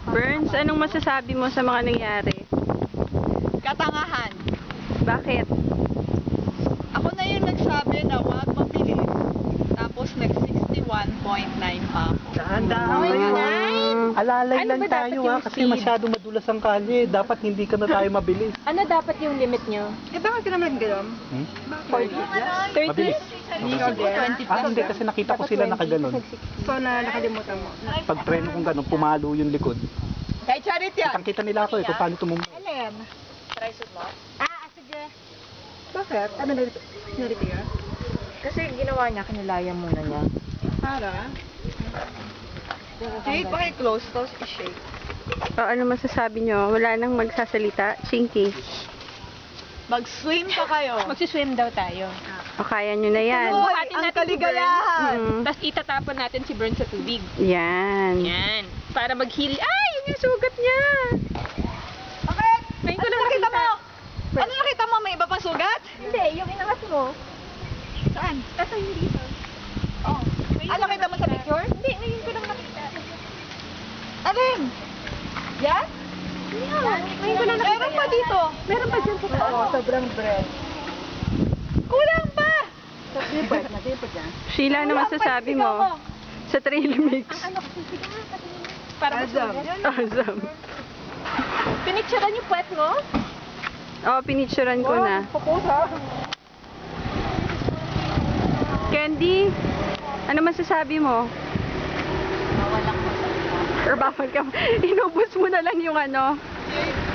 Burns, anong masasabi mo sa mga nangyari? Katangahan. Bakit? Ako na yung nagsabi na huwag mabilis. Tapos nag-61.9 pa ako. Dahan-dahan Okay, kayo. nine. Alalay Ano lang ba dapat tayo yung kasi speed? masyadong madulas ang kalye. Dapat hindi ka na tayo mabilis. Ano dapat yung limit nyo? Eh, bakit ka naman gano'n? Hmm? 30? Mabilis. Hindi kasi nakita ko sila nakaganon. So, na nakalimutan mo. Pag preno kong ganon, pumalo yung likod. Kay Charity yan. Kitang-kita nila ako kung paano tumumbo. Alin? Sige. Bakit? Ano narito yan? Kasi ginawa niya, kinilaya muna niya. Para? Jade, paki-close. Tapos i-shake. O, ano masasabi nyo? Wala nang magsasalita? Chinky. Mag-swim pa kayo. Magsiswim daw tayo. O, kaya nyo na yan. Hoy, Buhatin ang natin si kaligayahan. Mm. Tapos itatapon natin si Burn sa tubig. Yan. Yan. Para mag-heal. Ay! Yun yung sugat niya! Bakit? Ngayon ko Ano lang nakita nakita. mo? Ano nakita mo? May iba pang sugat? Hindi, yung inangat mo. Saan? Kasi hindi dito. Oh. Ano nakita mo sa picture? Hindi, ngayon ko lang nakita. Alin? Yan? Ngayon ko lang nakita. Meron pa dito. Meron pa dyan sa taas. sobrang bread. Kulang pa! Sheila, ano masasabi mo? Sa trail mix. Para Azam. masugat. Awesome. Pinicturean yung puwet mo? O, pinicturean ko na. Candy, ano masasabi mo? Or bawal ka? Inubos mo na lang yung ano?